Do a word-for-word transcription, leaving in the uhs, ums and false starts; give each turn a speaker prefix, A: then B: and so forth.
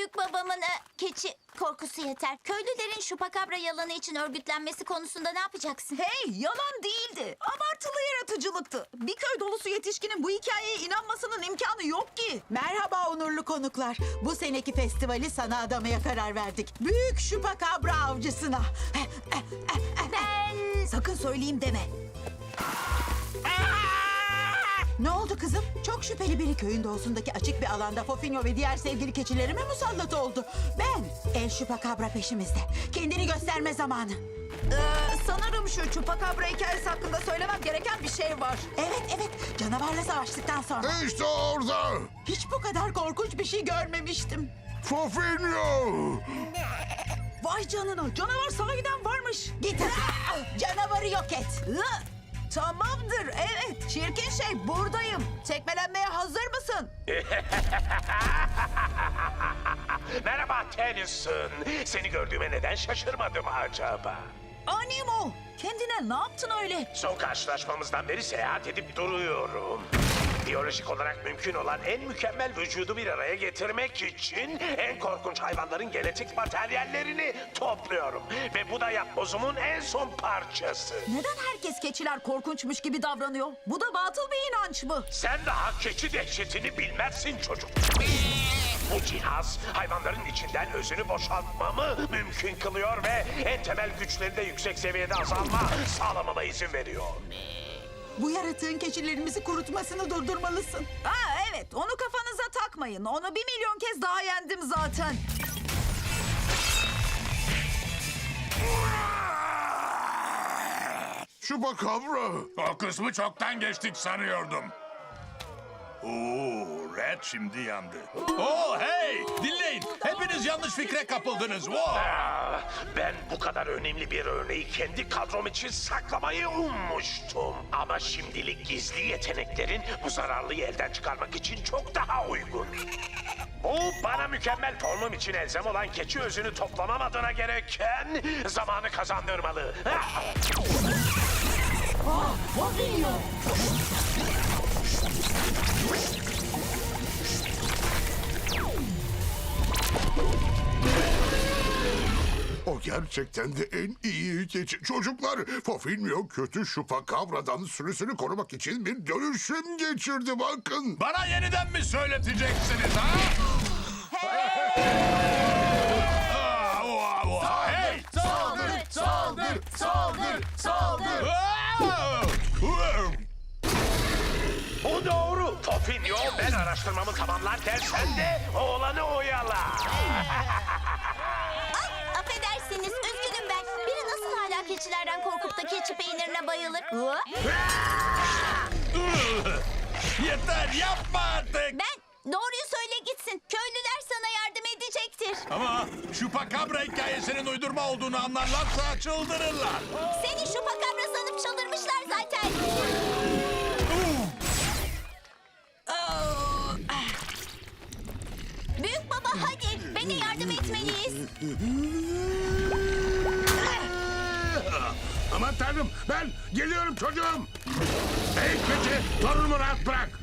A: Büyük babamın e, keçi korkusu yeter. Köylülerin şupakabra yalanı için örgütlenmesi konusunda ne yapacaksın?
B: Hey, yalan değildi. Abartılı yaratıcılıktı. Bir köy dolusu yetişkinin bu hikayeye inanmasının imkanı yok ki.
C: Merhaba onurlu konuklar. Bu seneki festivali sana adamaya karar verdik. Büyük şupakabra avcısına.
A: Ben...
B: Sakın söyleyeyim deme.
C: Ne oldu kızım? Çok şüpheli biri köyün doğusundaki açık bir alanda Fofinho ve diğer sevgili keçilerime musallat oldu. Ben, El Şupakabra peşimizde. Kendini gösterme zamanı.
B: Ee, sanırım şu çupakabra hikayesi hakkında söylemem gereken bir şey var.
C: Evet, evet. Canavarla savaştıktan sonra.
D: İşte orada.
C: Hiç bu kadar korkunç bir şey görmemiştim.
D: Fofinho.
B: Vay canına, canavar sahiden varmış.
C: Git hadi. Canavarı yok et.
B: Hı, tamamdır, evet. Çirkin şey, buradayım. Tekmelenmeye hazır mısın?
E: Merhaba Tennyson. Seni gördüğüme neden şaşırmadım acaba?
B: Animo, kendine ne yaptın öyle?
E: Son karşılaşmamızdan beri seyahat edip duruyorum. Biyolojik olarak mümkün olan en mükemmel vücudu bir araya getirmek için en korkunç hayvanların genetik materyallerini topluyorum. Ve bu da yapbozumun en son parçası.
B: Neden herkes keçiler korkunçmuş gibi davranıyor? Bu da batıl bir inanç mı?
E: Sen daha keçi dehşetini bilmezsin çocuk. Bu cihaz hayvanların içinden özünü boşaltmamı mümkün kılıyor ve en temel güçlerinde yüksek seviyede azalma sağlamama izin veriyor.
C: Bu yaratığın keçilerimizi kurutmasını durdurmalısın.
B: Ha evet, onu kafanıza takmayın. Onu bir milyon kez daha yendim zaten.
D: Şupakabra.
F: O kısmı çoktan geçtik sanıyordum. Oo, Red şimdi yandı. Oo, hey! Dinleyin. Hepiniz yanlış fikre kapıldınız. Wow!
E: Ah, ben bu kadar önemli bir örneği kendi kadrom için saklamayı ummuştum. Ama şimdilik gizli yeteneklerin bu zararlıyı elden çıkarmak için çok daha uygun. Bu bana mükemmel formum için elzem olan keçi özünü toplamam adına gereken zamanı kazandırmalı. Ah!
D: O gerçekten de en iyi keçi. Çocuklar, Fofinho kötü Şupakabra'dan sürüsünü korumak için bir dönüşüm geçirdi bakın.
F: Bana yeniden mi söyleteceksiniz ha? Aa, oha, oha, hey!
A: Saldır, saldır, saldır, saldır.
F: Aa! Wow!
E: Bu doğru. Fofinho, ben araştırmamı tamamlarken sen de oğlanı oyala.
A: Affedersiniz, üzgünüm ben. Biri nasıl hala keçilerden korkup da keçi peynirine bayılır? Hı?
F: Yeter, yapma artık.
A: Ben, doğruyu söyle gitsin. Köylüler sana yardım edecektir.
F: Ama Şupakabra hikayesinin uydurma olduğunu anlarlarsa çıldırırlar.
A: Seni şupakabra sanıp çıldırmışlar zaten. Büyük baba hadi, beni yardım etmeliyiz.
D: Aman tanrım, ben geliyorum çocuğum. Hey keçi, torunumu rahat bırak.